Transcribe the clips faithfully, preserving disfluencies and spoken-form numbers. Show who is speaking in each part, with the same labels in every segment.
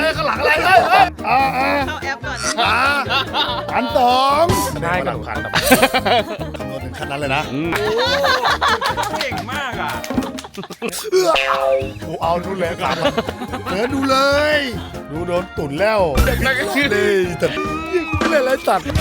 Speaker 1: ข้างหลังอะไรเฮ้ยเฮ้ยอ่าอ่า
Speaker 2: เข้าแอปก่อน
Speaker 1: อ่าพันสองได้
Speaker 3: ได้
Speaker 1: ห
Speaker 3: กั
Speaker 1: ลั
Speaker 3: น
Speaker 1: งพันคำนวณถึงขั้นนั้นเลยนะ
Speaker 3: เก่งมากอ่ะ
Speaker 1: เอื้อกูเอาดูเลยครับเดี๋ยวดูเลย ดูโดนตุ่นแล้วเลยแต่ยิงไม่เลยไรสัตว์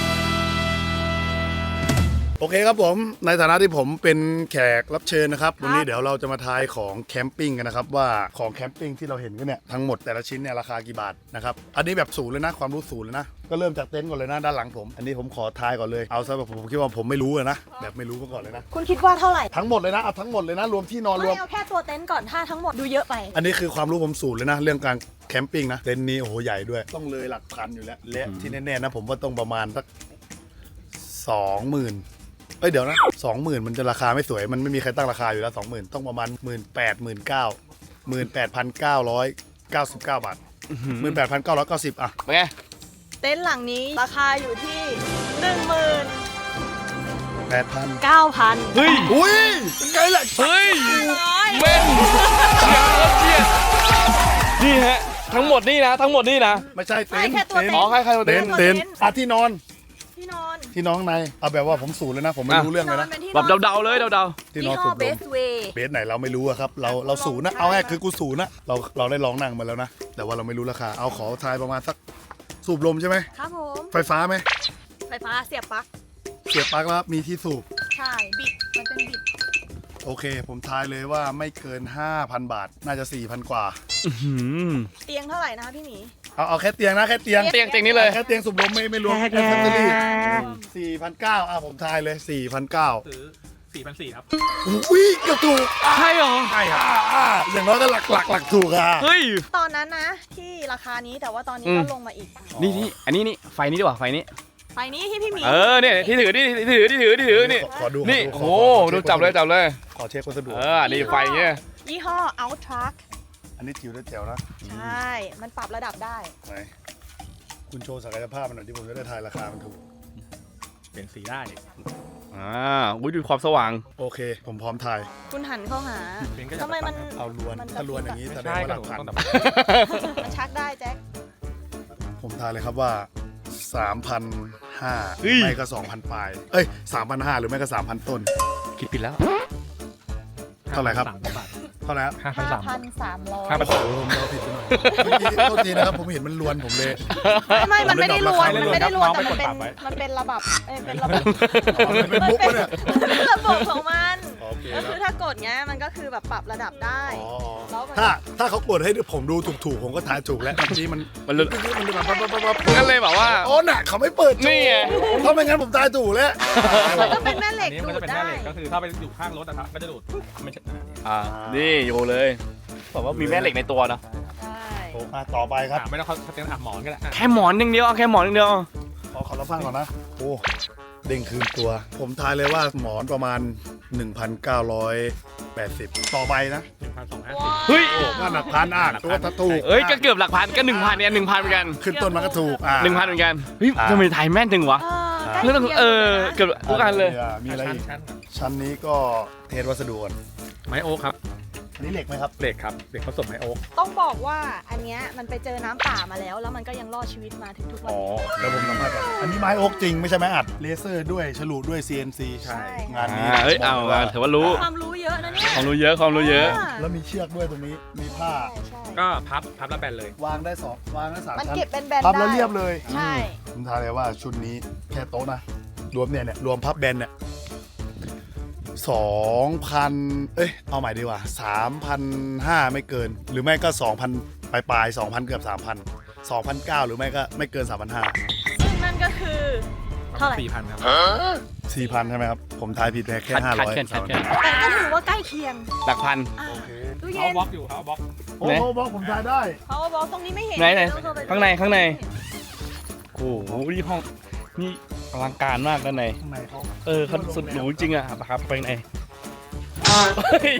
Speaker 1: โอเคครับผมในฐานะที่ผมเป็นแขกรับเชิญนะครับวันนี้เดี๋ยวเราจะมาทายของแคมปิ้งกันนะครับว่าของแคมปิ้งที่เราเห็นกันเนี่ยทั้งหมดแต่ละชิ้นเนี่ยราคากี่บาทนะครับอันนี้แบบศูนย์เลยนะความรู้ศูนย์เลยนะก็เริ่มจากเต็นท์ก่อนเลยนะด้านหลังผมอันนี้ผมขอทายก่อนเลยเอาซะแบบผมคิดว่าผมไม่รู้เลยนะแบบไม่รู้มาก่อนเลยนะ
Speaker 2: คุณคิดว่าเท่าไหร่
Speaker 1: ทั้งหมดเลยนะเอาทั้งหมดเลยนะรวมที่นอนรว
Speaker 2: ไม่
Speaker 1: ม
Speaker 2: เอาแค่ตัวเต็นท์ก่อนถ้าทั้งหมดดูเยอะไป
Speaker 1: อันนี้คือความรู้ผมศูนย์เลยนะเรื่องการแคมปิ้งนะเต็นท์นี้โอ้โหใหญ่ด้วยต้องเลยหลักพันอยู่แล้วและที่แน่ๆนะผมว่าต้องประมาณสักสองหมื่นเอ้ยเดี๋ยวนะสองหมื่นมันจะราคาไม่สวยมันไม่มีใครตั้งราคาอยู่แล้วสองหมื่นต้องประมาณหมื่นแปดหมื่นเก้าหมื่นแปดพันเก้าร้อยเก้าสิบเก้าบาทหมื่นแปดพันเก้าร้อยเก้าสิบอ่ะ
Speaker 3: เป็นไง
Speaker 2: เต็นท์หลังนี้ราคาอยู่ที่หนึ่งหมื่น
Speaker 1: แปดพัน
Speaker 2: เก้าพัน
Speaker 3: เฮ้ย
Speaker 1: อุ้ยเป็นไงล่ะ
Speaker 3: เฮ้ย
Speaker 2: ร้อย
Speaker 3: เว้นเชียร์เชียร์นี่ฮะทั้งหมดนี่นะทั้งหมดนี่นะ
Speaker 1: ไม่ใช่เต็
Speaker 2: ใช่
Speaker 1: นท์
Speaker 2: แค่ตัว
Speaker 1: เต็น
Speaker 2: เต็
Speaker 1: ท์
Speaker 3: อ๋อ
Speaker 2: ท์
Speaker 3: ใครใครมา
Speaker 1: เต็
Speaker 3: เต้
Speaker 1: น
Speaker 3: น
Speaker 1: ท์เต็นท์อ่ะที่นอน
Speaker 2: ที่นอน
Speaker 1: ที่น้องในเอาแบบว่าผมศูนย์เลยนะผมไม่รู้เรื่องเลยนะ
Speaker 2: เป็นที่น
Speaker 3: แบ
Speaker 2: อน
Speaker 3: บเดาๆเลยเดา
Speaker 1: ที่น
Speaker 2: ยี่
Speaker 1: อน
Speaker 2: ห้
Speaker 1: สู
Speaker 2: อบ
Speaker 1: ล
Speaker 2: เบ
Speaker 1: ม
Speaker 2: สเวย์
Speaker 1: เบสไหนเราไม่รู้อะครับเราเราศูนย์นะเอาแค่คือกูศูนย์นะเราเราได้ลองนั่งมาแล้วนะแต่ว่าเราไม่รู้ราคาเอาขอทายประมาณสักสูบลมใช่ไหม
Speaker 2: ครับผม
Speaker 1: ไฟฟ้าไหม
Speaker 2: ไฟฟ้าเสียบปลั๊ก
Speaker 1: เสียบปลั๊กแล้วมีที่สูบ
Speaker 2: ใช่บิดมันเป็นบิด
Speaker 1: โอเค ผมทายเลยว่าไม่เกิน ห้าพัน บาท น่าจะ สี่พัน กว่า
Speaker 3: ๆอื้อหือ
Speaker 2: เตียงเท่าไหร่นะคะพี่หมี
Speaker 1: เอาเอาแค่เตียงนะแค่เตียง
Speaker 3: เตียงเตียงนี้เลย
Speaker 1: แค่เตียงสูบลมไม่ไม่รวมแอคเซสซอรี่สี่พันเก้าอ่ะผมทายเลย สี่พันเก้า
Speaker 4: ซื้อสี่พันสี่ครับ
Speaker 1: อุ้ยเกือบถูก
Speaker 3: ใช่เหรอ
Speaker 1: ใช่ครับอ่าอย่างน้อยก็หลักหลักหลักถูกอ่ะ
Speaker 3: เฮ้ย
Speaker 2: ตอนนั้นนะที่ราคานี้แต่ว่าตอนนี้
Speaker 3: อืม
Speaker 2: ก็ลงมาอีก
Speaker 3: นี่นี่อันนี้นี่ไฟนี้ดีกว่าไฟนี้
Speaker 2: ไฟนี้ที่พี่หมี
Speaker 3: เออเนี่ยที่ถือนี่ที่ถือที่ถือที่ถือนี่
Speaker 1: ขอขอดู
Speaker 3: นี่
Speaker 1: ข
Speaker 3: โอ้
Speaker 1: ข
Speaker 3: โห
Speaker 1: ขอ
Speaker 3: ดูจับเลยจับเลย
Speaker 1: ขอเช็ควัสดุ
Speaker 3: เออนี่ไฟเงี้ย
Speaker 2: ยี่ห้อ Outtruck
Speaker 1: อันนี้จิ๋วได้แจ๋วนะ
Speaker 2: ใช่ มันปรับระดับได้
Speaker 1: ไหนคุณโชว์ศักยภาพมันหน่อยที่ผมจะได้ทายราคามันถูก
Speaker 4: เปลี่ยนสีได้
Speaker 3: อ่าอุ้ยดูความสว่าง
Speaker 1: โอเค ผมพร้อมทาย
Speaker 2: คุณหันเข้าหา
Speaker 4: เปลี่ยนก็จะ
Speaker 2: ทำไมมัน
Speaker 1: เอาลวน
Speaker 2: มัน
Speaker 1: ถ้าลวนอย่างนี้
Speaker 4: ไม่
Speaker 1: แสดง
Speaker 4: ใช่
Speaker 1: ว่าห
Speaker 4: ก็
Speaker 1: ลั
Speaker 4: ห
Speaker 1: ก
Speaker 4: นู
Speaker 1: พัน
Speaker 4: ต้องแบบ
Speaker 2: มันชักได้แจ็ค
Speaker 1: ผมทายเลยครับว่า สามพันห้าร้อย
Speaker 3: เฮ้ย
Speaker 1: ไม่ก็ สองพัน ปลาย เอ้ย สามพันห้าร้อย หรือไม่ก็ สามพัน ต้น
Speaker 3: คิดผิดแล้ว
Speaker 1: เท่าไหร่ครับ
Speaker 4: สามบาท
Speaker 1: เท่าไหร่ครับ
Speaker 4: ห้าพันสาม
Speaker 2: ห้าพันสามร้อย
Speaker 4: ห้าพัน
Speaker 1: โอ้โหผมเดาผิดไปหน่อยเมื่อกี้โทษทีนะครับ ผมเห็นมันลวนผมเลย
Speaker 2: ไม่ มันไม่ได้รวน มันไม่ได้รวน
Speaker 4: ไม่
Speaker 2: แต่
Speaker 4: ได้
Speaker 2: มัน
Speaker 4: รวน
Speaker 2: เป็น
Speaker 4: ครับ
Speaker 2: มันเป็นระบบเอ้ยเป็นระบบ
Speaker 1: อ๋อมันเป็นมุกปะเนี่ย
Speaker 2: มันเป็นระบบของมัน
Speaker 1: โอเค
Speaker 2: ก็
Speaker 1: ค
Speaker 2: คือ
Speaker 1: รับ
Speaker 2: ถ้ากดเงี้ยมันก็คือแบบปรับระดับได้
Speaker 1: อ๋อ
Speaker 2: แล้วมัน
Speaker 1: ถ้าถ้าเขากดให้ผมดูถูกๆ ผมก็ทายถูกแล้วเมื่อกี้มัน
Speaker 3: มันเลย
Speaker 1: เมื่อกี้มันแบบปั๊บปั๊บปั๊บปั๊บ
Speaker 3: งั้นเลยแบบว่า
Speaker 1: อ๋อน่ะเขาไม่เปิดโชว์
Speaker 3: นี่ไง
Speaker 1: เพราะไม่งั้นผมทายถูกแล้ว
Speaker 2: มันก็เป็นแม่เหล็
Speaker 4: อั
Speaker 2: ก
Speaker 4: นนี้
Speaker 2: ดู
Speaker 4: มันจะ
Speaker 2: ด
Speaker 4: เป็นแม่
Speaker 2: ได้
Speaker 4: เหล็กก็คือถ้าไปอยู่ข้างรถนะครับก็จะดูดไม่ใช่
Speaker 3: อ่านี่อยู่เลยบอกว่ามีแม่เหล็กในตัวนะ
Speaker 2: ใช่
Speaker 1: โอ้อ่ะต่อไปครับ
Speaker 4: อ่าไม่ต้องเขาเขาจะอับหมอนก็ได้อ่ะ
Speaker 3: แค่หมอนอย่างเดียวเอาแค่หมอนอย่างเดียว
Speaker 1: ขอขอรับฟังก่อนนะ โอ้ เด้งคืนตัว ผมทายเลยว่าหมอนประมาณ หนึ่งพันเก้าร้อยแปดสิบ ต่อไปนะ
Speaker 4: หนึ่งพันสองห้า
Speaker 3: เฮ้ย
Speaker 1: โอ้ก็หนักพันอ่ะตัวถ้าถูก
Speaker 3: เอ้ยก็เกือบหลักพันก็หนึ่งพันเนี่ยหนึ่งพันเหมือนกัน
Speaker 1: ขึ้นต้นมันก็ถูกอ่ะ
Speaker 3: หนึ่งพันเหมือนกันเฮ้ย
Speaker 1: อ่า
Speaker 3: ทำไมไทยแม่นจังวะ
Speaker 2: เออใกล้
Speaker 3: เรื่อง
Speaker 2: คียง
Speaker 3: เออ
Speaker 2: หมดลยนะ
Speaker 3: เกือบทุกอันเลย
Speaker 1: มีอะไร
Speaker 4: ชั้น
Speaker 1: อีก
Speaker 4: ชั้น
Speaker 1: ชั้นนี้ก็เทสวัสดุก่อน
Speaker 4: ไม้โอ๊คครับ
Speaker 1: อันนี้เหล็กไหมครับ
Speaker 4: เหล็กครับเหล็กผสมไม้โอ๊ค
Speaker 2: ต้องบอกว่าอันเนี้ยมันไปเจอน้ำป่ามาแล้ว แล้วมันก็ยังรอดชีวิตมาถึงทุกวัน
Speaker 1: อ๋อ
Speaker 2: นี้
Speaker 1: แล้วผมสัมภาษณ์ก่อนอันนี้ไม้โอ๊กจริงไม่ใช่ไม้อัด เลเซอร์ด้วย ฉลุด้วย ซี เอ็น ซี
Speaker 2: ใช่
Speaker 1: งานนี้
Speaker 3: อ่าเอ้ยเอา
Speaker 1: บกล
Speaker 3: เอาถือว่ารู้
Speaker 2: ความรู้เยอะนะเนี่ย
Speaker 3: ความรู้เยอะความรู้เยอะ
Speaker 1: แล้วมีเชือกด้วยตรงนี้ มีผ้า
Speaker 2: ใช่ใช่
Speaker 4: ก็พับพับแล้วแบนเลย
Speaker 1: วางได้สองวางได้สาม
Speaker 2: มัน
Speaker 1: ชั้น
Speaker 2: เก็บเป็นแบนๆ
Speaker 1: พับ
Speaker 2: ได้
Speaker 1: แล้วเรียบเลย
Speaker 2: ใช่
Speaker 1: ผมทายเลยว่าชุดนี้แค่โต๊ะนะ รวมเนี่ยเนี่ยรวมพับแบนเนี่ยสองพันเอ้ยเอาใหม่ดีกว่าสามพันห้าไม่เกิน หรือไม่ก็สองพันปลายปลายสองพันเกือบสามพันสองพันเก้าหรือไม่ก็ไม่เกินสามพันห้า
Speaker 2: ซึ่งนั่นก็คือเท่าไหร่
Speaker 4: สี่พันครับ
Speaker 1: สี่พันใช่ไหมครับ ผมทายผิดไปแค่
Speaker 3: ขัด
Speaker 1: ห้า
Speaker 3: ขัด
Speaker 1: ร้อย
Speaker 3: แค่ขัดแค่
Speaker 2: แต่ก็ถือว่าใกล้เคียง
Speaker 3: หลักพัน
Speaker 2: อ่ะ
Speaker 1: โอเค
Speaker 2: ตู้
Speaker 4: เขา
Speaker 2: เย็น
Speaker 4: บล็อกอยู่เขาบล็อก
Speaker 1: โอ้โหบอกผมทายได้
Speaker 2: เขาบอกตรงนี้ไม่เห็น
Speaker 3: ไหนไหน
Speaker 2: ต้องเข้ไป
Speaker 3: ข้างในข้างใน โอ้โหนี่ห้องนี่อลังการมากด้านใน
Speaker 1: ข้างในเขา
Speaker 3: เออเขาสุดหรูจริงอะครับไปไหนเฮ้ย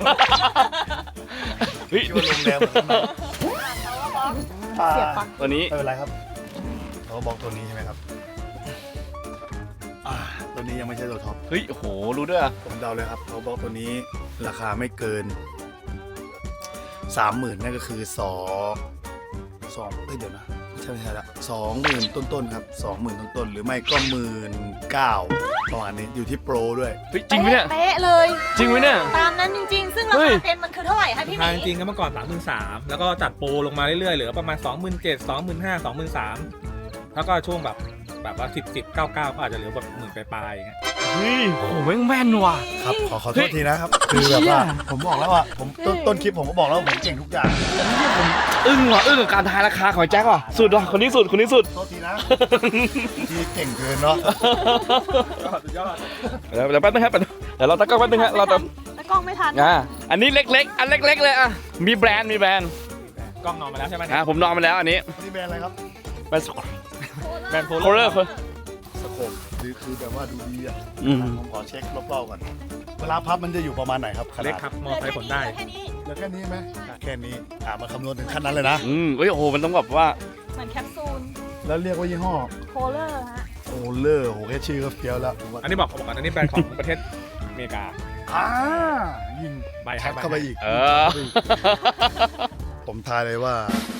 Speaker 3: เฮ้ย
Speaker 1: คิดว่าโรงแรมเหมือนกันนะ
Speaker 2: เสียบปลั๊ก
Speaker 3: ตัวนี้
Speaker 1: ไม่เป็นไรครับเขาบอกตัวนี้ใช่ไหมครับอ่าตัวนี้ยังไม่ใช่ตัวท็อป
Speaker 3: เฮ้ยโอ้โหรู้ด้วยอะ
Speaker 1: ผมเดาเลยครับเขาบอกตัวนี้ราคาไม่เกินสามหมื่นนั่นก็คือสองสองเอ้ยเดี๋ยวนะใช่ไม่ใช่ละสองหมื่นต้นๆครับสองหมื่นต้นๆหรือไม่ก็หมื่นเก้าประมาณนี้อยู่ที่โปรด้วย
Speaker 3: เฮ้ยจริงไหมเนี่ย
Speaker 2: เป๊ะเลย
Speaker 3: จริงไหมเนี่ย
Speaker 2: ตามนั้นจริงๆ ซึ่งรา
Speaker 3: เฮ้
Speaker 2: คาย เต็มมันคือเท่าไหร่คะพี่ห
Speaker 4: ทาง
Speaker 2: มี
Speaker 4: จริงก็เมื่อก่อนสามหมื่นสามแล้วก็จัดโปรลงมาเรื่อยๆเหลือประมาณสองหมื่นเจ็ดสองหมื่นห้าสองหมื่นสามแล้วก็ช่วงแบบแบบว่าสิบสิบเก้าเก้าก็อาจจะเหลือแบบหมื่นปลายๆอย่างเงี้ย
Speaker 3: เฮ้ยโอ้โหแม่งแม่นว่ะ
Speaker 1: ครับขอขอโทษทีนะครับคือแบบว่าผมบอกแล้วว่าผมต้นต้นคลิปผมก็บอกแล้วว่าผมเก่งทุกอย่าง
Speaker 3: อึ้งว่ะอึ้งกับการทายราคาของแจ็คว่ะสุดว่ะคนนี้สุดคนนี้สุด
Speaker 1: โทษทีนะที่เก่งเกินเนาะ
Speaker 4: สุดยอด
Speaker 3: เดี๋ยวเดี๋ยวแป๊บนึงครับเดี๋ยวเราตั้งกล้องแป๊บนึงฮะเราจะ
Speaker 2: ตะกล้องไม่ทัน
Speaker 3: อ่าอันนี้เล็กๆ อันเล็ก ๆ เลยอ่ะมีแบรนด์มีแบรนด์
Speaker 4: กล้องนอนมาแล้วใช่ไหม
Speaker 3: อ่าผมนอนมาแล้วอันนี้
Speaker 1: นี่แบรนด์อะไรครับ
Speaker 3: แบรนด์
Speaker 4: แบรนด์โพ
Speaker 3: โคเลอร์
Speaker 1: สโคปคือคือแบบว่าดูดีอ่ะ
Speaker 3: อืม
Speaker 1: ผมขอเช็ครอบๆก่อนเวลาพับมันจะอยู่ประมาณไหนครับขนาด
Speaker 4: เล็กครับมอไซค์ขนได้
Speaker 2: แค่นี้
Speaker 1: แล้วแค่นี้ไหมแค่นี้อ่ามาคำนวณถึงขั้นนั้นเลยนะ
Speaker 3: อืมเฮ้ยโอ้โหมันต้องแบบว่า
Speaker 2: เหมือนแคปซูล
Speaker 1: แล้วเรียกว่ายี่ห้อ
Speaker 2: โคเลอร์ฮะ
Speaker 1: โอเลอร์โหแค่ชื่อก็เฟี้ยวแล้วผมว่า
Speaker 4: อันนี้บอกบอกก่อนอันนี้แบรนด์ของประเทศอเมริกา
Speaker 1: อ่ายิง
Speaker 4: ใบ
Speaker 1: แท็
Speaker 4: ให้
Speaker 1: บ
Speaker 4: ใบ
Speaker 1: เข้าไปอีก
Speaker 3: เออ
Speaker 1: ผมทายเลยว่า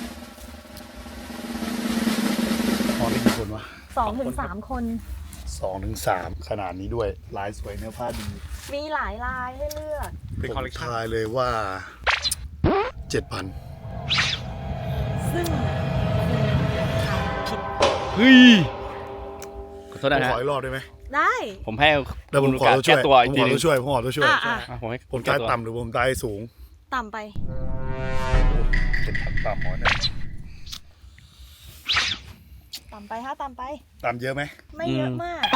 Speaker 1: พอได้กี่คนวะ
Speaker 2: สองถึงสามคน
Speaker 1: สองถึงสามขนาดนี้ด้วยลายสวยเนื้อผ้าดี
Speaker 2: มีหลายลายให้เลือก
Speaker 4: เป็น
Speaker 1: ผ
Speaker 4: คอล
Speaker 1: ม
Speaker 4: เลกชัน
Speaker 1: ทายเลยว่าเจ็ดพัน
Speaker 2: ซึ่งผิด
Speaker 3: เฮ้ยขอโทษ
Speaker 1: ผม
Speaker 3: นะ
Speaker 1: ข
Speaker 3: ฮะ
Speaker 1: ออีกรอบได้ไหม
Speaker 2: ได้
Speaker 3: ผมให้
Speaker 1: แล้วผม
Speaker 3: คุณ
Speaker 1: ขอ
Speaker 3: การ
Speaker 1: ตัวช่
Speaker 3: แก้
Speaker 1: วย
Speaker 3: ตัว
Speaker 1: ผ
Speaker 3: อีก
Speaker 1: ม
Speaker 3: ที
Speaker 1: ขอ
Speaker 3: หนึ
Speaker 1: ตั
Speaker 3: ง
Speaker 1: วช่วยผมขอตัวช่วย
Speaker 2: อ่ะอ่ะ
Speaker 3: อ่ะผมให้
Speaker 1: ผม
Speaker 3: แก้
Speaker 1: ตาย
Speaker 3: ตัว
Speaker 1: ต่ำหรือผมตายสูง
Speaker 2: ต่ำไป
Speaker 1: เจ็ดพันต่ำหมอเนี่ย
Speaker 2: ต่ำไปฮะต่ำไป
Speaker 1: ต่ำเยอะไหม
Speaker 2: ไม่เยอะมาก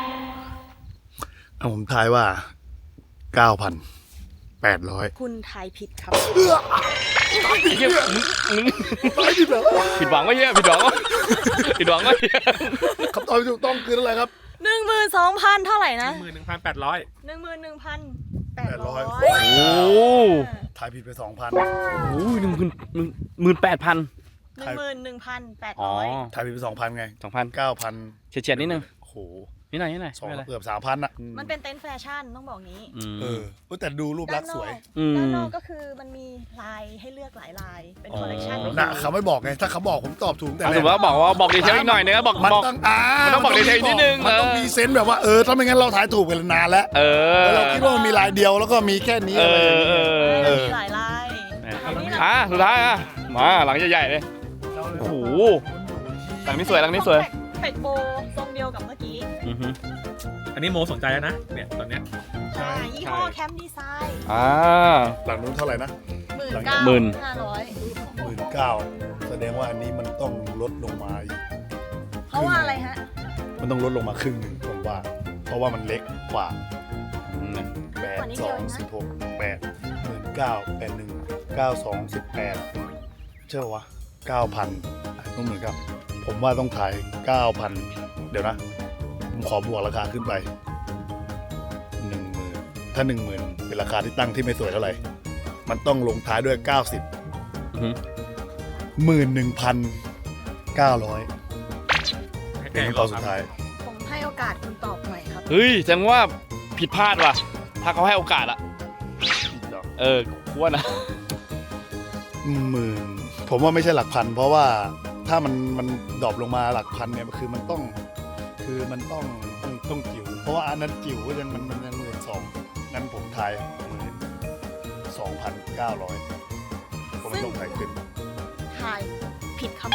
Speaker 1: เอาผมทายว่าเก้าพันแปดร้อย
Speaker 2: คุณทายผิดครับ
Speaker 3: เหี้ยมึงมึง
Speaker 1: ไม่ผิดเหรอ
Speaker 3: ผิดหวังวะเฮียผิดหวังวะผิดหวังวะเฮีย
Speaker 1: คำตอบที่ถูกต้องคืออะไรครับ
Speaker 2: หนึ่งหมื่นสองพันเท่าไหร่
Speaker 4: ห
Speaker 2: นะ
Speaker 4: นึ่งหมื่นหนึ่งพันแปดร้อย
Speaker 2: หนึ่งหมื่นหนึ่งพันแปด
Speaker 1: แปดร้
Speaker 2: ร้
Speaker 1: อ
Speaker 2: อย ย
Speaker 3: โอ้โห
Speaker 1: ทายผิดไปสองพัน
Speaker 3: โอ้ยหนึ่งหมื่นหมื่นแปดพัน
Speaker 2: หนึ่งหมื่นหนึ่งพันแปด
Speaker 3: อ๋อ
Speaker 2: ร้อย
Speaker 1: ทายผิดไปสองพันไง
Speaker 3: สองพัน
Speaker 1: เก้าพัน
Speaker 3: เฉียดๆนิดนึง
Speaker 1: โอ้โห
Speaker 3: นิดหน่อยนิดหน่อย
Speaker 1: สอง
Speaker 3: ไม่เป็นไร
Speaker 1: เกือบสามพันอ่ะ
Speaker 2: มันเป็นเต็นท์แฟชั่นต้องบอกงี้
Speaker 3: อืม
Speaker 1: เออเว้ยแต่ดูรูปลักษณ์สวย
Speaker 3: อืม
Speaker 2: ด้านนอกก็คือมันมีลายให้เลือกหลายลาย เป็นคอลเลกชัน
Speaker 3: อ๋อ
Speaker 1: นะเขาไม่บอกไง ถ้าเขาบอกผมตอบถูกแต่
Speaker 3: อ่ะ
Speaker 1: แร
Speaker 3: สมมติว่าบอกว่าบอกดีเทลอีกหน่อยนึงบอก
Speaker 1: มัน
Speaker 3: บอก
Speaker 1: ต้องอ่า
Speaker 3: มันต้องบอกดีเทลนิดนึง
Speaker 1: มันต้อง
Speaker 3: เออ
Speaker 1: มีเซนส์แบบว่าเออถ้าไม่งั้นเราถ่ายถูกกันนานแล้ว
Speaker 3: เออ
Speaker 1: แล้วเราคิดว่ามันมีลายเดียวแล้วก็มีแค่นี้
Speaker 3: เอ
Speaker 1: อะไรอ
Speaker 3: อย่าง เอ
Speaker 1: เงี้ย
Speaker 3: อ
Speaker 1: เออ
Speaker 2: มีหลายลาย
Speaker 3: อ่ะสุดท้ายอ่ะมาหลังใหญ่ๆเลยโอ้โหหลังนี้สวยหลังนี้สวย
Speaker 2: เป็ดโบทรงเดียวกับเมื่อกี้
Speaker 3: อือฮึ
Speaker 4: อันนี้โมสนใจแล้วนะเนี่ยตอนเนี้ย
Speaker 2: ใช่ยี่ห้อแคมป์ดีไซน์
Speaker 3: อ่า
Speaker 1: หลังนู้นเท่าไหร่นะ
Speaker 2: หมื่นเก้า
Speaker 3: หมื่น
Speaker 2: ห้าร้อย
Speaker 1: หมื่นเก้าแสดงว่าอันนี้มันต้องลดลงมาอีก
Speaker 2: เพราะว่าอะไรฮะ
Speaker 1: มันต้องลดลงมาครึ่งหนึ่งผมว่า เพราะว่ามันเล็กกว่า
Speaker 3: อืม
Speaker 1: แปดสองสิบหกแปดหมื่นเก้าแปดหนึ่งเก้าสองสิบแปดเชื่อวะเก้าพันต้องเหมือนกับผมว่าต้องถ่ายเก้าพันเดี๋ยวนะ ผมขอบวกราคาขึ้นไปหนึ่งหมื่นถ้าหนึ่งหมื่นเป็นราคาที่ตั้งที่ไม่สวยเท่าไหร่ มันต้องลงท้ายด้วยเก้าสิบ
Speaker 3: อือฮึ
Speaker 1: หมื่นหนึ่งพันเก้าร้อย
Speaker 4: ให้
Speaker 1: เป็น
Speaker 4: แก้
Speaker 1: คำตอบสุดท้าย
Speaker 2: ผมให้โอกาสคุณตอบหน่อยครับ
Speaker 3: เฮ้ยแสดงว่าผิดพลาดว่ะ ถ้าเขาให้โอกาสอะเออกูว่านะ
Speaker 1: หมื่นผมว่าไม่ใช่หลักพัน เพราะว่าถ้ามันมันดรอปลงมาหลักพันเนี่ยคือมันต้อง คือมันต้องต้องต้องจิ๋วเพราะว่าอันนั้นจิ๋วก็ยังมันมันยังหมื่นสองงั้นผมทายหมื่นสองพันเก้าร้อยผมไม่ต้องถ่ายขึ้น
Speaker 2: ทายผิดครับ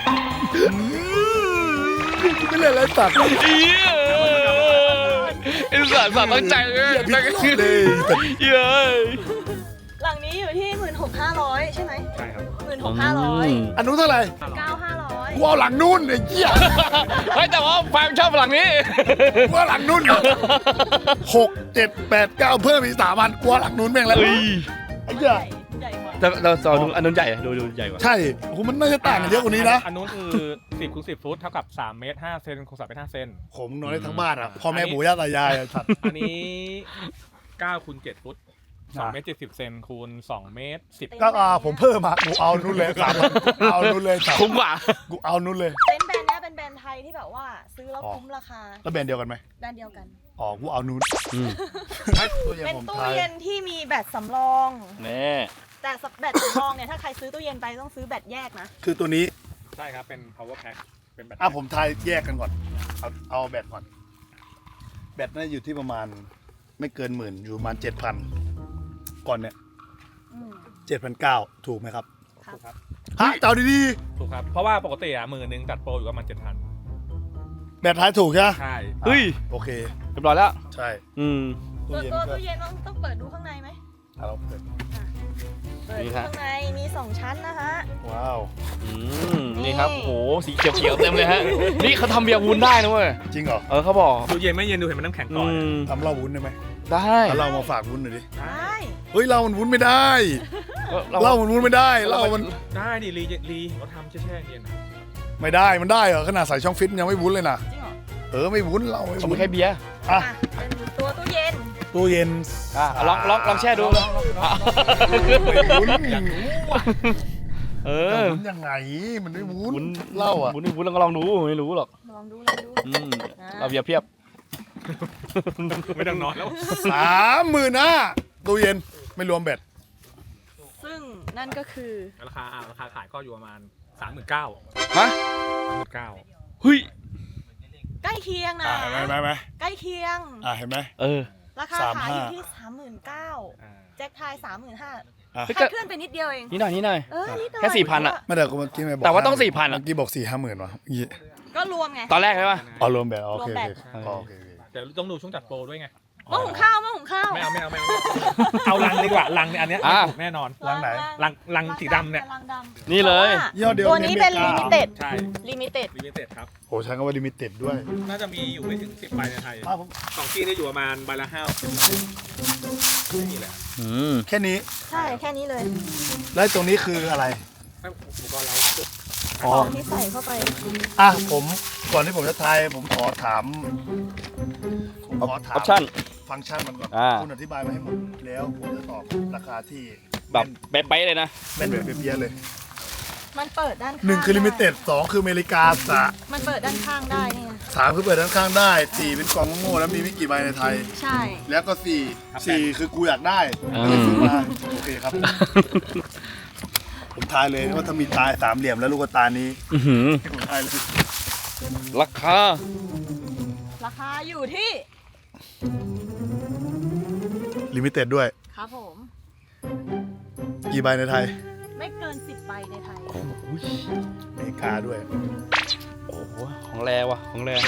Speaker 1: ไม่เล่นอะไรตัด
Speaker 3: เอี้ยไอ้สัตว์สัตว์ตั้งใจเลย
Speaker 1: อย่าพิดเลยแต่
Speaker 3: เย้ย
Speaker 2: หลังนี้อยู่ที่หมื่นหกห้าร้อยใช่ไหม
Speaker 4: ใช่ครับ
Speaker 2: หมื่นหกห้าร้อย
Speaker 1: อันนู้นเท่าไหร่
Speaker 2: เก้าห้าร้อย
Speaker 1: กูเอาหลังนู้นไอ้เหี้ย
Speaker 3: เฮ้ยแต่ว่าแฟนชอบหลังนี้
Speaker 1: กูเอาหลังนู้นหกเจ็ดแปดเก้าเพิ่มอีกสามพันกูเอาหลังนู้นแม่งแล้ว
Speaker 3: เฮ้ย
Speaker 1: ไอ้เหี้ย
Speaker 2: ใหญ่กว่า
Speaker 3: แต่เราสอนอันนู้นใหญ่อะดูดูใหญ่กว่า
Speaker 1: ใช่โอ้โหมันน่าจะต่างกันเยอะกว่านี้นะ
Speaker 4: อันนู้นคือสิบคูณสิบฟุตเท่ากับสามเมตรห้าเซนคูณสามเมตรห้าเซน
Speaker 1: ผมนอนได้ทั้งบ้านอ่ะพ่อแม่ปู่ย่าตายายอะสัตว์
Speaker 4: อันนี้เก้าคูณเจ็ดฟุตสองเมตรเจ็ดสิบเซนคูณสองเมตรสิบ
Speaker 1: ก็อ่าผมเพิ่มมากูเอานู้นเลยสามกูเอานู้นเลยสาม
Speaker 3: คุ้มกว่า
Speaker 1: กูเอานู้นเลย
Speaker 2: เต็นท์แบรนด์เนี้ยเป็นแบรนด์ไทยที่แบบว่าซื้อแล้วคุ้มราคา
Speaker 1: แล้วแบรนด์เดียวกันไหม
Speaker 2: แบรนด์เดียวกัน
Speaker 1: อ๋อกูเอานู้น
Speaker 3: อืม
Speaker 1: ตู้เย็น
Speaker 2: เป็น
Speaker 1: ผม
Speaker 2: ตู้
Speaker 1: ทาย
Speaker 2: เย็นที่มีแบตสำรอง
Speaker 3: แน่
Speaker 2: แต่แบตสำรองเนี่ยถ้าใครซื้อตู้เย็นไปต้องซื้อแบตแยกนะ
Speaker 1: คือตัวนี้
Speaker 4: ใช่ครับเป็น power pack เป็นแบต
Speaker 1: อ่ะผมทายแยกกันก่อนเอาเอาแบตก่อนแบตน่าอยู่ที่ประมาณไม่เกินหมื่นอยู่ประมาณเจ็ดพันก่อนเนี่ย
Speaker 2: อืม
Speaker 1: เจ็ดพันเก้าถูกไหมครับ
Speaker 2: ครับ
Speaker 4: ถูกครับ
Speaker 1: ฮะเจ้าดี
Speaker 4: ถูกครับเพราะว่าปกติอ่ะหมื่นหนึ่งจัดโปรอยู่ประมาณเจ็ดพัน
Speaker 1: ๆแบตทายถูกใช่ไหม
Speaker 4: ใช่
Speaker 3: เฮ้ย
Speaker 1: โอเค
Speaker 3: เรียบร้อยแล้ว
Speaker 1: ใช่
Speaker 3: อืม
Speaker 1: ตู้
Speaker 2: ตัว
Speaker 1: เย็น
Speaker 2: ตัว
Speaker 1: ก็
Speaker 2: ตู้เย็นต้องต้องเปิดดูข้างในไหม
Speaker 1: อ่ะเราเปิด
Speaker 2: เปิด
Speaker 3: นี่
Speaker 2: ดู
Speaker 3: ฮะ
Speaker 2: ข้างในมีสองชั้นนะฮะ
Speaker 1: ว้าว
Speaker 3: อืมนี่ครับโอ้โหสีเขียวๆเต็มเลยฮะนี่เขาทำเบียร์วุ้นได้นะเว้ย
Speaker 1: จริงเหรอ
Speaker 3: เออเขาบอก
Speaker 4: ดูเย็นไม่เย็นดูเห็นมันน้ำแข็งก่อน
Speaker 3: อืม
Speaker 1: ทำเหล้าวุ้นได้ไหม
Speaker 3: ได้
Speaker 1: ถ้าเรามาฝากวุ้นหน่อยดิ
Speaker 2: ได้
Speaker 1: เฮ้ยเหล้ามันวุ้นไม่ได้
Speaker 3: ก็
Speaker 1: เหล้ามันวุ้นไม่ได้เหล้ามัน
Speaker 4: ได้ดิรีรีเขาทำแช่ๆเย็นอะ
Speaker 1: ไม่ได้มันได้เหรอขนาดใส่ช่องฟิตยังไม่วุ้นเลยนะ
Speaker 2: จริงเหรอ
Speaker 1: เออไม่วุ้นเราไม่
Speaker 3: เขา
Speaker 1: วุ้
Speaker 3: ไม่
Speaker 1: น
Speaker 3: แค่เบียร์
Speaker 1: อ่ะ
Speaker 2: อ่ะเป็นตัวตู้เย็น
Speaker 1: ตู้เย็น
Speaker 3: อ่ะลองลองลองแช่ดูอ่ะ
Speaker 1: ไม่วุ้น
Speaker 3: เอ
Speaker 1: เอ
Speaker 3: อ
Speaker 1: อวุ้นยังไงมันไม่วุ้น
Speaker 3: วุ้น
Speaker 1: เหล้าอ่ะ
Speaker 3: วุ้นวุ้นลองก็ลองดูไม่รู้หรอก
Speaker 2: ลองดูลองดู
Speaker 3: อืมเราเบียร์เพียบ
Speaker 4: ไม่ต้องนอนแล้ว
Speaker 1: สามหมื่นห้าตู้เย็นไม่รวมแบต
Speaker 2: ซึ่งนั่นก็คือ
Speaker 4: ราคาอ่ะราคาขายก็อยู่ประมาณสามหมื่นเก้า
Speaker 3: ฮะ
Speaker 4: สามหมื่นเก้า
Speaker 3: เฮ้ย
Speaker 2: ใกล้เคียงนะ
Speaker 1: อ่ะเห็นไหมเห็นไหมเห็นไหม
Speaker 2: ใกล้เคียง
Speaker 1: อ่ะเห็นไหม
Speaker 3: เออ
Speaker 2: ราคา
Speaker 1: สาม
Speaker 2: ขาย
Speaker 1: ห้า
Speaker 2: อยู่ที่สามหมื่นเก้าแจ็คไทายสามหมื่นห้า
Speaker 1: อ่ะ
Speaker 3: เฮ้ย
Speaker 2: คาดเคลื่อนไปนิดเดียวเอง
Speaker 3: นี่หน่อยนี่หน่อย
Speaker 2: เออนิดหน่อย
Speaker 3: แค่สี่พันอะ
Speaker 1: ไม่ได้กูเมื่อกี้ไม่บอก
Speaker 3: แต่ว่าต้องสี่พันอะ
Speaker 1: เมื่อกี้บอกสี่ห้าหมื่นวะเมื่อกี้
Speaker 2: ก็รวมไง
Speaker 3: ตอนแรกใช่ป่ะ
Speaker 1: อ๋อรวมแบตอ๋อโอเค
Speaker 2: รวมแบ
Speaker 1: โอ
Speaker 2: ต
Speaker 1: เคอ๋อโอเคโอเค
Speaker 4: แต่ต้องดูช่วงจัดโปรด้วยไง
Speaker 2: หม้อหุงข้าวหม้อหุงข้าว
Speaker 4: ไม่เอาไม่เอาไม่เอาไม่เอาเอาลังดีกว่าลังเนี่ยอันเนี้ย
Speaker 3: อ่ะ
Speaker 4: ถูกแน่นอน
Speaker 1: ล้างไหน
Speaker 4: ลังลังสีดำเนี่ย
Speaker 2: ลังดำ
Speaker 3: นี่เลย
Speaker 1: ยี่ห้อเดียว
Speaker 2: ตัวนี้เป็น
Speaker 1: ในอ
Speaker 2: ลิ
Speaker 1: เมริกา
Speaker 2: มิเต็ด
Speaker 4: ใช่
Speaker 2: ลิมิเต็ด
Speaker 4: ลิมิเต็ดครับ
Speaker 1: โอ้ใช้คำว่าลิมิเต็ดด้วย
Speaker 4: น่าจะมีอยู่ไม่ถึงสิบใบในไทย
Speaker 1: อ้าวผม
Speaker 4: ของจีนเนี่ยอยู่ประมาณใบละห้าไม่มีแหละ
Speaker 3: อืม
Speaker 1: แค่นี้
Speaker 2: ใช่แค่นี้เลย
Speaker 1: แล้วตรงนี้คืออะไร
Speaker 4: ไม่อุปกรณ์เรา
Speaker 1: อ๋อ
Speaker 2: ของที่ใส่เข้าไป
Speaker 1: อ่ะผมก่อนที่ผมจะทายผมขอถามผมขอถา
Speaker 3: ออ
Speaker 1: ม
Speaker 3: ปชั่น
Speaker 1: ฟังก์ชันมันก่อน
Speaker 3: อ่า
Speaker 1: คุณอธิบายมาให้หมดแล้วผมจะตอบราคาที่
Speaker 3: แบบเป๊ะๆเลยนะ
Speaker 1: แม่นแบบเปียๆเลย
Speaker 2: มันเปิดด้านข้าง
Speaker 1: หนึ่งคือลิมิเต็ด
Speaker 2: ไ
Speaker 1: สองคืออเมริกาสะ
Speaker 2: มันเปิดด้านข้างได้เนี่ย
Speaker 1: สามคือเปิดด้านข้างได้สี่เป็นกล่องโง่ๆแล้วมีไม่กี่ใบในไทย
Speaker 2: ใช่
Speaker 1: แล้วก็สี่สี่คือกูอยากได้
Speaker 3: อืม
Speaker 1: ก็เลยซื้อมาโอเคครับ ผมทายเลยว่าถ้ามีตายสามเหลี่ยมแล้วลูกตานี้
Speaker 3: อื้อหือ
Speaker 1: ผมทายเลย
Speaker 3: ราคา
Speaker 2: ราคาอยู่ที่
Speaker 1: ลิมิเต็ดด้วย
Speaker 2: ครับผม
Speaker 1: กี่ใบในไทย
Speaker 2: ไม่เกินสิบใบในไทย
Speaker 3: อุ้ย
Speaker 1: อเมริกาด้วย
Speaker 3: โอ้โหของแรว่ะของแร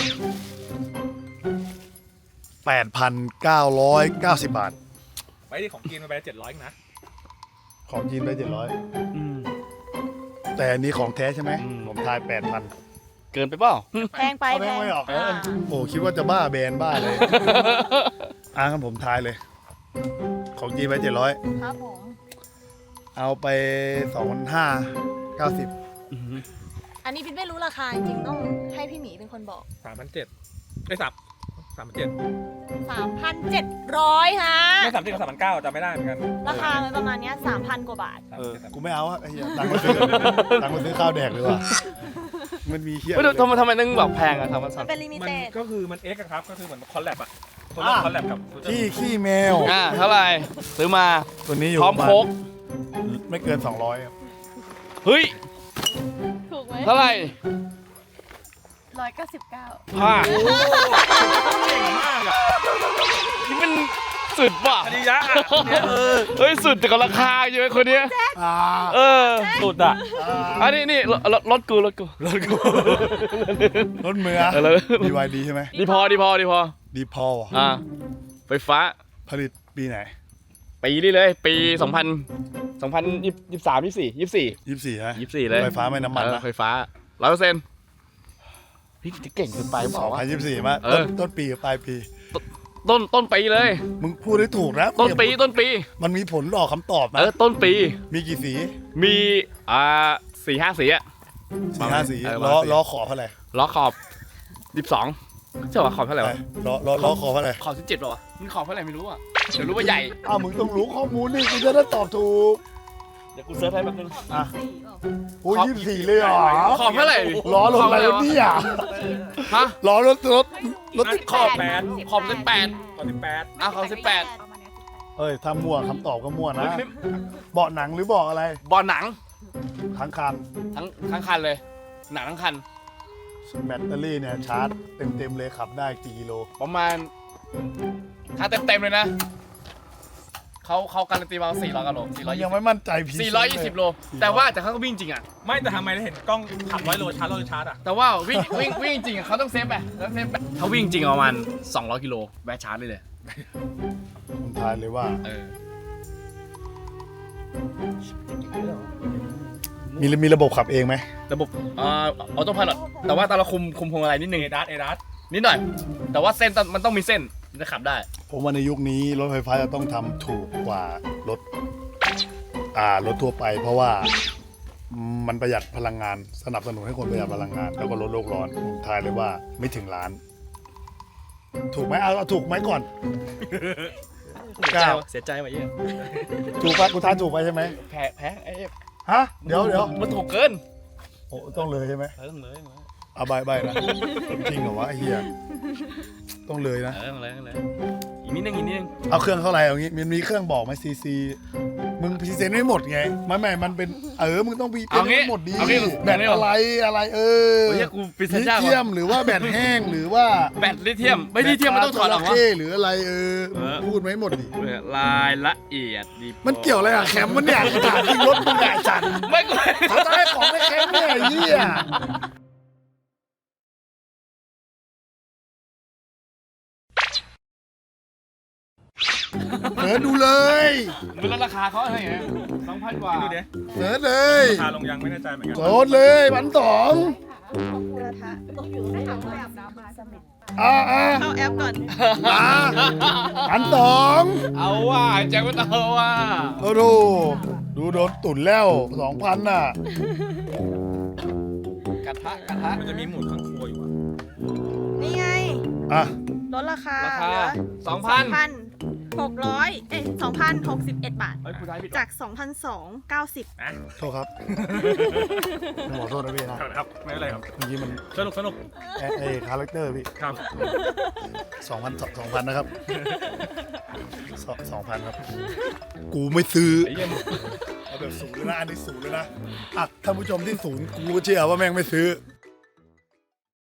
Speaker 1: แปดพันเก้าร้อยเก้าสิบบาท
Speaker 4: ไปที่ของจีนมาไปเจ็ดร้อยนะ
Speaker 1: ของจีนได้เจ็ดร้อย
Speaker 3: อืม
Speaker 1: แต่อันนี้ของแท้ใช่ไหม
Speaker 3: อืม
Speaker 1: ผมทายแปดพัน
Speaker 3: เกินไปเปล่า
Speaker 2: แพงไป
Speaker 1: เอา
Speaker 2: แพ
Speaker 1: แพง
Speaker 2: ง
Speaker 1: ไม่หรอก
Speaker 2: อ่า
Speaker 1: โอ้คิดว่าจะบ้าแบรนด์บ้าเลย อ่ะงั้นผมทายเลย ของจีนไปเจ็ดร้อย
Speaker 2: ครับผม
Speaker 1: เอาไปสองพันห้าเก้าสิบ
Speaker 3: อื้อหือ
Speaker 2: อันนี้พินไม่รู้ราคาจริงๆต้องให้พี่หมีเป็นคนบอก
Speaker 4: สามพันเจ็ดไอ้สับสามพันเจ็ด
Speaker 2: สามพันเจ็ดร้อยฮะ
Speaker 4: ไม่สามสิบกับสามพันเก้าจำไม่ได้เหมือนกัน
Speaker 2: ราคามันประมาณเนี้สามพันกว่าบาท
Speaker 4: สาม
Speaker 1: เอ
Speaker 4: พัน
Speaker 1: อ
Speaker 4: เจ็ดสาม
Speaker 1: กู
Speaker 4: พัน
Speaker 1: ไม่เอาอะไอ้เหี้ยตังค์มาซื้อตังค์มาซื้อข้าวแดกเลยว่ะมันมีเหี้ย
Speaker 3: เฮ้ยทำไมทำไมต้องแบบแพงอะทำมัน
Speaker 2: มั
Speaker 3: สั่
Speaker 2: น
Speaker 3: น
Speaker 2: เป็นลิมิ
Speaker 4: มัน
Speaker 2: เต็ด
Speaker 4: ก็คือมันเอ็กซ์ครับก็คือเหมือนคอลแลบอะคนละคอลแลบกับ
Speaker 1: ขี้ขี้แมว
Speaker 3: อ่าเท่าไหร่ซื้อมา
Speaker 1: ตัวนี้อยู่
Speaker 3: พร้อม
Speaker 1: ประาณ
Speaker 3: โค้ก
Speaker 1: ไม่เกินสองร้อยครับ
Speaker 3: เฮ้ย
Speaker 2: ถูกไหม
Speaker 3: เท่าไหร่
Speaker 2: ร้อยเก้าสิบเก้า
Speaker 3: ผ้า
Speaker 4: เก่งมากอะ
Speaker 3: นี่มันสุดว่ะ
Speaker 4: คดียะอะเนี่ยเออ
Speaker 3: เฮ้ยสุดแต่กับราคาเยอะคนเนี้ย
Speaker 1: อ่า
Speaker 3: เออ
Speaker 4: สุดอะ
Speaker 3: อันนี้นี่รถรถรถกูรถกูรถกู
Speaker 1: รถเมือ
Speaker 3: เออแล้ว
Speaker 1: ดีวายดีใช่ไหม
Speaker 3: ดีพอดีพอดีพอ
Speaker 1: ดีพอล
Speaker 3: อ่าไฟฟ้า
Speaker 1: ผลิตปีไหน
Speaker 3: ปีนี้เลย ปีสองพันสองพันยี่สิบสามยี่สี่ยี่สี่
Speaker 1: ยี่สิบสี่ฮะ
Speaker 3: ยี่สี่เลย
Speaker 1: ไฟฟ้าไม่น้ำมัน
Speaker 3: เออ
Speaker 1: นะ
Speaker 3: ไฟฟ้าร้อยเปอร์เซ็นต์พี่จะเก่งเกินไปบ
Speaker 1: ส
Speaker 3: อ
Speaker 1: อก ง
Speaker 3: ว่า
Speaker 1: พันยี่สิบสี่มา
Speaker 3: เอ
Speaker 1: ต้
Speaker 3: อ
Speaker 1: นต้นปีกับปลายปี
Speaker 3: ต้นต้นปีเลย
Speaker 1: มึงพูดได้ถูกนะ
Speaker 3: ต้นปีต้นปี
Speaker 1: มันมีผลออกคำตอบ
Speaker 3: เอ
Speaker 1: นะ
Speaker 3: อต้นปี
Speaker 1: มีกี่สี
Speaker 3: มีอ่าสี่ห้าสีอะ
Speaker 1: สี่ห้าสี
Speaker 3: เออ
Speaker 1: ล้อ
Speaker 3: ประมาณสี่
Speaker 1: ล้อขอบเท่าไหร่
Speaker 3: ล้อขอบยี่สิบสองใช่ป่ะขอบเท่าไหร่วะ
Speaker 1: ล้อล้อล้อขอบเท่าไหร่
Speaker 3: ขอบสิบเจ็ดป่ะวะมันขอบเท่าไหร่ไม่รู้อ่ะเดี๋ยวรู้ว่าใหญ่
Speaker 1: อ้าวมึงต้องรู้ข้อมูลนี่กูจะได้ตอบถูก
Speaker 3: เดี๋ยวกูเซิร์ชให้แป๊บนึง
Speaker 1: อ่ะ
Speaker 2: สี่เปล่า
Speaker 1: โอ้ยยี่สิบสี่เลยเหรอ
Speaker 3: ขอบเท่าไหร่
Speaker 1: ล้อรถอะไรวะเนี่ย
Speaker 3: ฮะ
Speaker 1: ล้อรถรถรถ
Speaker 2: สิบ
Speaker 3: ขอบ
Speaker 2: แปด
Speaker 3: ขอบสิบแปด
Speaker 4: ตอนที่แปด
Speaker 3: อ่ะขอบสิบแปด
Speaker 2: ประมาณเนี้ยสิบแปด
Speaker 1: เอ้ยถ้ามั่วคำตอบก็มั่วนะ
Speaker 3: ไม่ไม่
Speaker 1: เบาะหนังหรือเบาะอะไร
Speaker 3: บอลหนัง
Speaker 1: ทั้งคัน
Speaker 3: ทั้งทั้งคันเลยหนักทั้งคัน
Speaker 1: แบตเตอรี่เนี่ยชาร์จเต็มๆเลยขับได้กี่กิโล
Speaker 3: ประมาณถ้าเต็มๆเลยนะเขาเขาการันตีมาสี่ร้อยกิโลสี่ร้อย
Speaker 1: ยังไม่มั่นใจพี
Speaker 3: สี่ร้อยยี่สิบโลแต่ว่าแต่เขาก็วิ่งจริงอ่ะ
Speaker 4: ไม่แต่ทำไมเราเห็นกล้องขับร้อยโลชาร์จร้อยโลชาร์จอ่ะ
Speaker 3: แต่ว่าวิ่งวิ่งวิ่งจริงอ่ะเขาต้องเซฟไปต้องเซฟไปเขาวิ่งจริงประมาณสองร้อยกิโลแวะชาร์จเลยเลย
Speaker 1: ผมทายเลยว่า
Speaker 3: เออ
Speaker 1: มีมีระบบขับเองไหม
Speaker 3: ระบบอ่าออโต้พายロแต่ว่าตอนเราคุมคุมพวงอะไรนิดนึง
Speaker 4: เอดัสเอดัส
Speaker 3: นิดหน่อย แต่ว่าเส้นต้องมันต้องมีเส้นจะขับได้
Speaker 1: ผมว่าในยุคนี้รถไฟฟ้าจะต้องทำถูกกว่ารถอ่ารถทั่วไป เพราะว่ามันประหยัดพลังงานสนับสนุนให้คนประหยัดพลังงาน แล้วก็ลดโลกร้อนผมทายเลยว่าไม่ถึงล้าน ถูกไหมเอาเอาถูกไหมก่อน
Speaker 3: เสียใจว่ะเสียใจว่ะเยี่ย
Speaker 1: ถูกปะกูทายถูกไปใช่ไหม
Speaker 3: แพ้แพ้ไอ้
Speaker 1: ฮะเดี๋ยวเดี๋ยว
Speaker 3: มันถูกเกิน
Speaker 1: โอ้ต้องเลยใช่ไหม
Speaker 3: เออต้องเลย
Speaker 1: เอาใบใบนะจริงเหรอวะไอ้เหี้ยต้องเลยนะ
Speaker 3: เออต้องเลยต้องเลยอีกนิดนึงอีกนิดนึง
Speaker 1: เอาเครื่องเท่าไหร่เอางี้มันมีเครื่องบอกไหมซีซีมึงพรีเซนต์ไม่หมดไงไม่ไม่มันเป็นเออมึงต้องพรีเซนต์ให้หมดดี
Speaker 3: เอางี้
Speaker 1: แบตอะไรอะไรเออ
Speaker 3: โอ้ยกูปิดสัญ
Speaker 1: ลิ
Speaker 3: ญาณ
Speaker 1: เทียมหรือว่าแบตแห้งหรือว่า
Speaker 3: แบตลิเทียมไม่ลิเทียมมันต้องถอดออก
Speaker 1: แบต
Speaker 3: วะ
Speaker 1: จระเข้หรืออะไรเออ
Speaker 3: เออ
Speaker 1: พูดไหมหมดดิ
Speaker 3: รายละเอียดดี
Speaker 1: มันเกี่ยวอะไรอะแคมป์มันเนี่ยถามจริงรถมึงใหญ่จัด
Speaker 3: ไม่กู
Speaker 1: เขาจะให้ของในแคมป์เนี่ยไอ้เหี้ยเปิดดูเลย
Speaker 3: มันลดราคาเขาอะไรเงี้ยสองพันกว่า
Speaker 4: ดูดิ
Speaker 1: เปิดเลย
Speaker 4: ราคาลงยังไม่แน่ใจเหมือนกัน
Speaker 1: โกดเลยพันสอง
Speaker 2: บูรทะต้องอยู่ในถังแบบน้ำมาสมิธ
Speaker 1: อ่าอ่า
Speaker 2: เข้าแอปก่อน
Speaker 1: อ่าพันสอง
Speaker 3: เอาว่าแจ็คไม่ต้องเอาว่า
Speaker 1: โอ้โหดูโดนตุ่นแล้วสองพันน่ะ
Speaker 3: กระทะกระทะ
Speaker 4: มันจะมีหมุดข้างครัวอยู่อ่ะ
Speaker 2: นี่ไง
Speaker 1: อ่ะ
Speaker 2: ลดราคา
Speaker 3: ราคา
Speaker 2: เหลือ
Speaker 3: สองพัน
Speaker 2: พันหกร้อยเอ้ยสองพันหกสิบเอ็ดบาท
Speaker 3: เฮ้ยผู้ชายผิด
Speaker 2: จากสองพันสองเก้าสิบ
Speaker 4: นะ
Speaker 1: โทษครับขอโทษนะพี่นะครับ
Speaker 4: ไม่เป็นไรครับ
Speaker 1: เมื่อกี้มัน
Speaker 4: สนุกสนุก
Speaker 1: ไอ้ไอ้คาแรคเตอร์พี่
Speaker 4: ครับ
Speaker 1: สองพันสองพันนะครับสองสองพันครับ กูไม่ซื้อ
Speaker 3: ไอ้เหี้ยมึง
Speaker 1: เอาแบบศูนย์เลยนะอันนี้ศูนย์เลยนะอ่ะท่านผู้ชมที่ศูนย์กูก็เชื่อว่าแม่งไม่ซื้อ